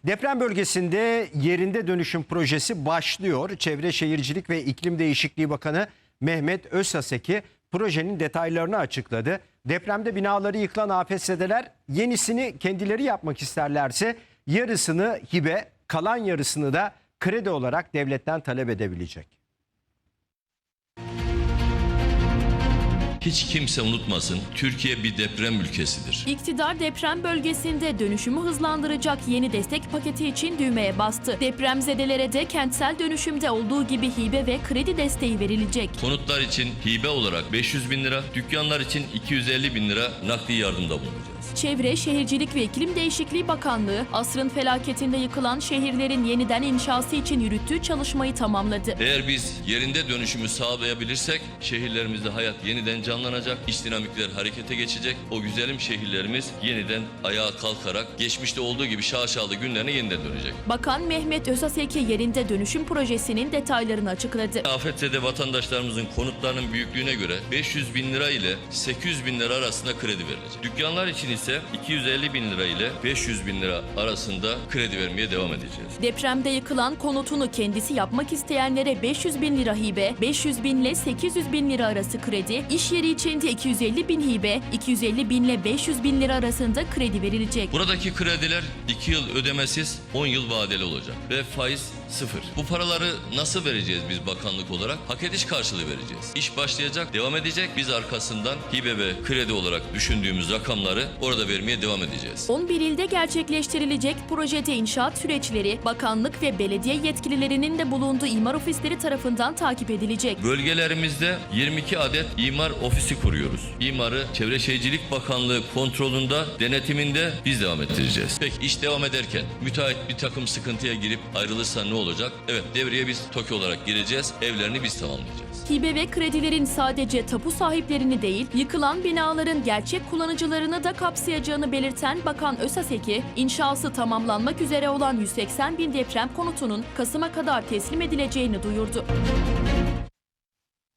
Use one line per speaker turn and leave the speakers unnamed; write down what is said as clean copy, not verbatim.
Deprem bölgesinde yerinde dönüşüm projesi başlıyor. Çevre Şehircilik ve İklim Değişikliği Bakanı Mehmet Özhaseki projenin detaylarını açıkladı. Depremde binaları yıkılan afetzedeler yenisini kendileri yapmak isterlerse yarısını hibe, kalan yarısını da kredi olarak devletten talep edebilecek.
Hiç kimse unutmasın, Türkiye bir deprem ülkesidir.
İktidar deprem bölgesinde dönüşümü hızlandıracak yeni destek paketi için düğmeye bastı. Depremzedelere de kentsel dönüşümde olduğu gibi hibe ve kredi desteği verilecek.
Konutlar için hibe olarak 500 bin lira, dükkanlar için 250 bin lira nakdi yardımda bulunacağız.
Çevre, Şehircilik ve İklim Değişikliği Bakanlığı, asrın felaketinde yıkılan şehirlerin yeniden inşası için yürüttüğü çalışmayı tamamladı.
Eğer biz yerinde dönüşümü sağlayabilirsek şehirlerimizde hayat yeniden canlanacak, iç dinamikler harekete geçecek. O güzelim şehirlerimiz yeniden ayağa kalkarak geçmişte olduğu gibi şaşalı günlerine yeniden dönecek.
Bakan Mehmet Özhaseki yerinde dönüşüm projesinin detaylarını açıkladı.
Afetzede vatandaşlarımızın konutlarının büyüklüğüne göre 500 bin lira ile 800 bin lira arasında kredi verilecek. Dükkanlar için ise 250 bin lira ile 500 bin lira arasında kredi vermeye devam edeceğiz.
Depremde yıkılan konutunu kendisi yapmak isteyenlere 500 bin lira hibe, 500 bin ile 800 bin lira arası kredi, iş yeri için de 250 bin hibe, 250 bin ile 500 bin lira arasında kredi verilecek.
Buradaki krediler 2 yıl ödemesiz, 10 yıl vadeli olacak ve faiz 0. Bu paraları nasıl vereceğiz biz bakanlık olarak? Hak ediş karşılığı vereceğiz. İş başlayacak, devam edecek. Biz arkasından hibe ve kredi olarak düşündüğümüz rakamları orada vermeye devam edeceğiz.
11 ilde gerçekleştirilecek projede inşaat süreçleri bakanlık ve belediye yetkililerinin de bulunduğu imar ofisleri tarafından takip edilecek.
Bölgelerimizde 22 adet imar ofisi kuruyoruz. İmarı Çevre Şehircilik Bakanlığı kontrolünde, denetiminde biz devam ettireceğiz. Peki iş devam ederken müteahhit bir takım sıkıntıya girip ayrılırsa ne olacak? Evet, devreye biz TOKİ olarak gireceğiz. Evlerini biz tamamlayacağız.
Hibe ve kredilerin sadece tapu sahiplerini değil, yıkılan binaların gerçek kullanıcılarını da kapsayacağını belirten Bakan Özhaseki, inşası tamamlanmak üzere olan 180 bin deprem konutunun Kasım'a kadar teslim edileceğini duyurdu.